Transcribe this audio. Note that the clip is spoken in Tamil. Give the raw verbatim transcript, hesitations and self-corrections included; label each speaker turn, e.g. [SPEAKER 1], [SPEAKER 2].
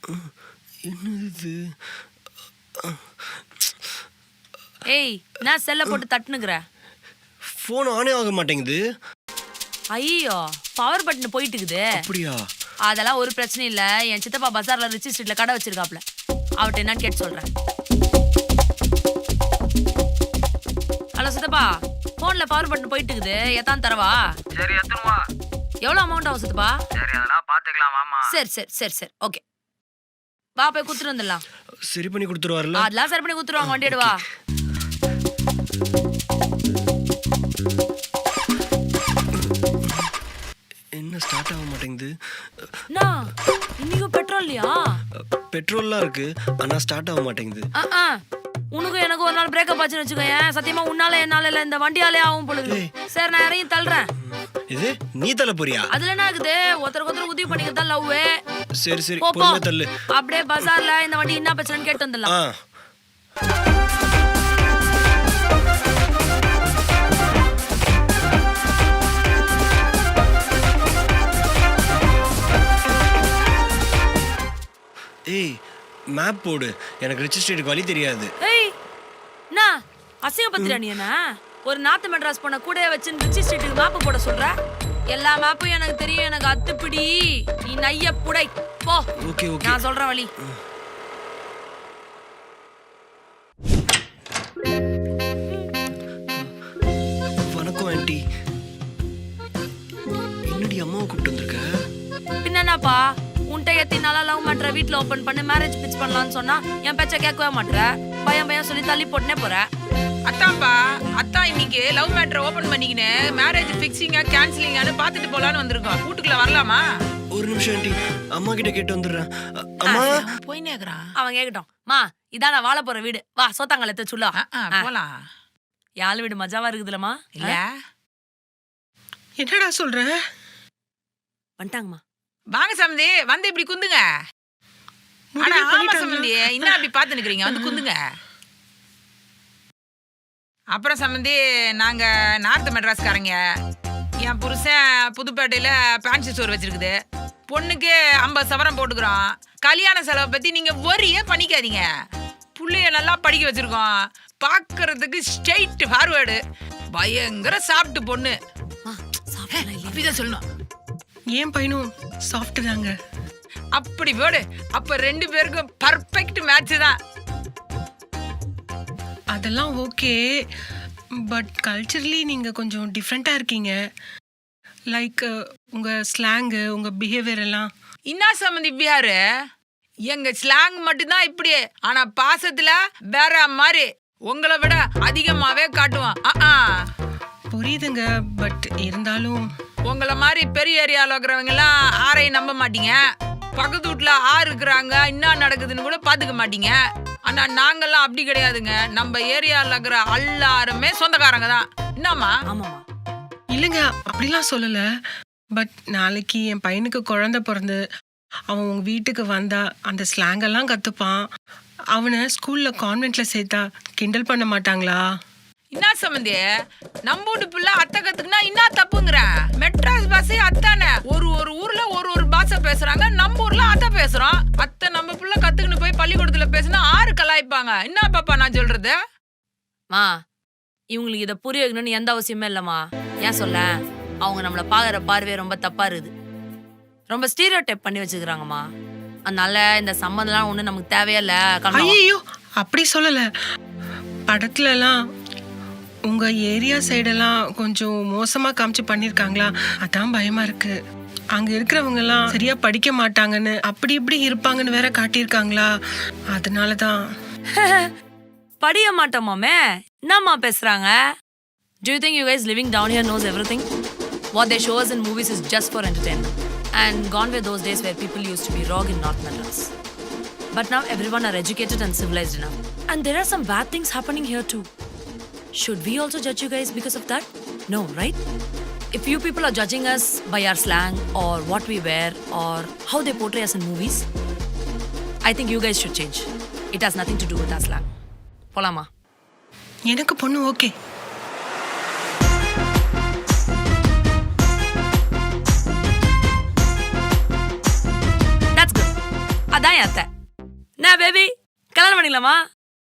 [SPEAKER 1] என்னது
[SPEAKER 2] ஏய் நான் செல்ல போட்டு தட்டுனுக்குற
[SPEAKER 1] ஃபோன் ஆனே ஆக மாட்டேங்குது.
[SPEAKER 2] ஐயோ பவர் பட்டன் போயிட்டு இருக்குது.
[SPEAKER 1] அப்படியா?
[SPEAKER 2] அதெல்லாம் ஒரு பிரச்சனை இல்ல. என் சித்தப்பா பஜார்ல ரிச்சி ஸ்ட்ரீட்ல கடை வச்சிருக்காப்ல, அவர்கிட்ட என்னன்னு கேட்டு சொல்றேன். ஹலோ சித்தப்பா, போன்ல பவர் பட்டன் போயிட்டு இருக்குது, எத்தான் தரவா?
[SPEAKER 3] சரி எத்தனுவா?
[SPEAKER 2] எவ்வளவு அமௌண்ட் ஆகும் சித்தப்பா?
[SPEAKER 3] சரி அதெல்லாம் பாத்துக்கலாம் வாமா.
[SPEAKER 2] சரி சரி சரி சரி ஓகே, வா போய் குடுத்துட்டு வந்துடலாம்.
[SPEAKER 1] சரி பண்ணி கொடுத்துருவாருல்ல?
[SPEAKER 2] அதெல்லாம் சரி பண்ணி குடுத்துருவாங்க, வண்டி எடுவா.
[SPEAKER 1] என்ன ஸ்டார்ட் ஆக மாட்டேங்குது?
[SPEAKER 2] இன்னைக்கும் பெட்ரோல் இல்லையா?
[SPEAKER 1] பெட்ரோல்லாம் இருக்கு, ஆனா ஸ்டார்ட் ஆக மாட்டேங்குது.
[SPEAKER 2] உனக்கும் எனக்கு ஒரு நாள் பிரேக்கப் ஆச்சுன்னு வச்சுக்கோங்க, சத்தியமா உன்னால என்னால இல்ல, இந்த வண்டியாலே ஆகும் பொழுது. சரி நான் இறங்கி தள்ளுறேன்.
[SPEAKER 1] இது நீ தள்ள போறியா?
[SPEAKER 2] அதுல என்ன இருக்குது, ஒருத்தருக்கு ஒருத்தர் உதவி பண்ணிக்கிறதா லவ்.
[SPEAKER 1] சரி சரி பொறுமை தள்ளு.
[SPEAKER 2] அப்படியே பஜார்ல இந்த வண்டி என்ன பிரச்சனைன்னு கேட்டு வந்துடலாம்.
[SPEAKER 1] ஏய் மேப் போடு, எனக்கு ரிச்சி ஸ்ட்ரீட்டுக்கு வழி தெரியாது.
[SPEAKER 2] ஏய் நான் அசிங்கப்படுத்துறா நீ என்ன? ஒரு நார்த் மெட்ராஸ் போன கூட வச்சு ரிச்சி ஸ்ட்ரீட்டுக்கு மேப் போட சொல்ற? எல்லா மேப்பும் எனக்கு தெரியும், எனக்கு அத்துப்பிடி. நீ நைய புடை போ.
[SPEAKER 1] ஓகே ஓகே
[SPEAKER 2] நான் சொல்ற வழி.
[SPEAKER 1] வணக்கம் ஆண்டி. என்னடி அம்மாவை கூப்பிட்டு வந்திருக்க?
[SPEAKER 2] பின்னப்பா உன்ட்ட எத்தி நாளா லவ் மேட்ரை வீட்ல ஓபன் பண்ணி மேரேஜ் பிச் பண்ணலாம்னு சொன்னா என் பேச்ச கேட்கவே மாட்டற. பயம் பயம் சொல்லி தள்ளி போட்டுனே போற.
[SPEAKER 4] அத்தான்பா, அத்தா இன்னைக்கு லவ் மேட்ரை ஓபன் பண்ணிக்கினே மேரேஜ் ஃபிக்ஸிங்கா கேன்சலிங்கான்னு பாத்துட்டு போலான்னு வந்திருக்கோம். வீட்டுக்குள்ள வரலாமா?
[SPEAKER 1] ஒரு நிமிஷம் ஆண்டி, அம்மா கிட்ட கேட்டு வந்துடுறேன். அம்மா
[SPEAKER 4] போய் நேக்குறான்.
[SPEAKER 2] அவன் கேக்கட்டும். மா இதான் நான் வாழ போற வீடு, வா சோத்தாங்கல எடுத்து சொல்லா.
[SPEAKER 4] போலாம்.
[SPEAKER 2] யாழ் வீடு மஜாவா இருக்குதுலமா?
[SPEAKER 4] இல்ல
[SPEAKER 5] என்னடா சொல்ற?
[SPEAKER 2] வந்துட்டாங்கம்மா.
[SPEAKER 4] வாங்க சம்பந்தி, வந்து இப்படி குந்துங்க. ஆனா ஆமா சம்பந்தி, இன்னும் அப்படி பாத்து நிக்கிறீங்க, வந்து குந்துங்க. அப்புறம் சம்பந்தி, நாங்க நார்த் மெட்ராஸ்காரங்க. என் புருஷன் புதுப்பேட்டையில பேன்சி ஸ்டோர் வச்சிருக்குது. பொண்ணுக்கு ஐம்பது சவரம் போட்டுக்கிறோம். கல்யாண செலவை பத்தி நீங்க ஒரியே பண்ணிக்காதீங்க. புள்ளைய நல்லா படிக்க வச்சிருக்கோம். பாக்குறதுக்கு ஸ்ட்ரெயிட் ஃபார்வேர்டு, பயங்கர சாப்பிட்டு பொண்ணு. அப்படிதான் சொல்லணும்.
[SPEAKER 5] ஏன் பையனும் சாஃப்ட் தாங்க.
[SPEAKER 4] அப்படி போடு. அப்ப ரெண்டு பேருக்கும் பர்ஃபெக்ட் மேட்ச் தான்.
[SPEAKER 5] அதெல்லாம் ஓகே, பட் கல்ச்சரலி நீங்க கொஞ்சம் டிஃப்ரெண்டா இருக்கீங்க. லைக் உங்க ஸ்லாங்கு, உங்க பிஹேவியர் எல்லாம்.
[SPEAKER 4] இன்னா சம்பந்தி பிஹாரு, எங்க ஸ்லாங் மட்டும்தான் இப்படி, ஆனா பாசத்துல வேற மாதிரி உங்களை விட அதிகமாவே காட்டுவோம்.
[SPEAKER 5] புரியுதுங்க, பட் இருந்தாலும்
[SPEAKER 4] உங்களை மாதிரி பெரிய ஏரியாவில் இருக்கிறவங்க எல்லாம் ஆரையும் நம்ப மாட்டீங்க. பக்கத்து வீட்டுல ஆறு இருக்கிறாங்க, என்ன நடக்குதுன்னு கூட பாத்துக்க மாட்டீங்க. ஆனா நாங்கெல்லாம் அப்படி கிடையாதுங்க. நம்ம ஏரியாவில் இருக்கிற எல்லாருமே சொந்தக்காரங்க தான். என்னம்மா?
[SPEAKER 2] ஆமாமா.
[SPEAKER 5] இல்லைங்க, அப்படிலாம் சொல்லல. பட் நாளைக்கு என் பையனுக்கு குழந்தை பிறந்து அவன் உங்க வீட்டுக்கு வந்தா அந்த ஸ்லாங் எல்லாம் கத்துப்பான். அவனை ஸ்கூல்ல கான்வென்ட்ல சேர்த்தா கிண்டல் பண்ண மாட்டாங்களா?
[SPEAKER 4] என்ன சம்பந்தி, நம்ம வீட்டு பிள்ளை அத்தை கத்துக்குனா என்ன தப்புங்கிற? மெட்ராஸ் பாஷை அத்தானே. ஒரு ஒரு ஊர்ல ஒரு ஒரு பாஷை பேசுறாங்க. நம்ம ஊர்ல அத்தை பேசுறோம். அத்தை நம்ம பிள்ளை கத்துக்குன்னு போய் பள்ளிக்கூடத்துல பேசினா ஆறு கலாய்ப்பாங்க. என்ன பாப்பா நான் சொல்றது?
[SPEAKER 2] மா இவங்களுக்கு இதை புரிய வைக்கணும்னு எந்த அவசியமே இல்லம்மா. ஏன் சொல்ல, அவங்க நம்மளை பாக்குற பார்வையே ரொம்ப தப்பா இருக்குது. ரொம்ப ஸ்டீரியோ டைப் பண்ணி வச்சுக்கிறாங்கம்மா. அதனால இந்த சம்மந்தம்லாம் ஒண்ணு நமக்கு தேவையில்ல.
[SPEAKER 5] ஐயோ அப்படி சொல்லல. படத்துல எல்லாம் உங்க ஏரியா சைடெல்லாம் கொஞ்சம் மோசமா காமிச்சு பண்ணிருக்காங்களா, அதான் பயமா இருக்கு. அங்க இருக்கிறவங்க எல்லாம் சரியா படிக்க மாட்டாங்கன்னு, அப்படி இப்படி இருப்பாங்கன்னு வேற காட்டியிருக்காங்களா, அதனாலதான்.
[SPEAKER 2] படிக்க மாட்டோமாமே, என்னம்மா பேசுறாங்க? Do you think you guys living down here knows everything? What they show us in movies is just for entertainment. And gone were those days where people used to be raw in North Madras. But now everyone are educated and civilized enough. And there are some bad things happening here too. Should we also judge you guys because of that? No, right? If you people are judging us by our slang or what we wear or how they portray us in movies, I think you guys should change. It has nothing to do with our slang. Polama.
[SPEAKER 5] எனக்கு பொண்ணு ஓகே.
[SPEAKER 2] That's good. அதான் என் அத்தை. நான் பேபி கல்யாணம் பண்ணிக்கலாமா?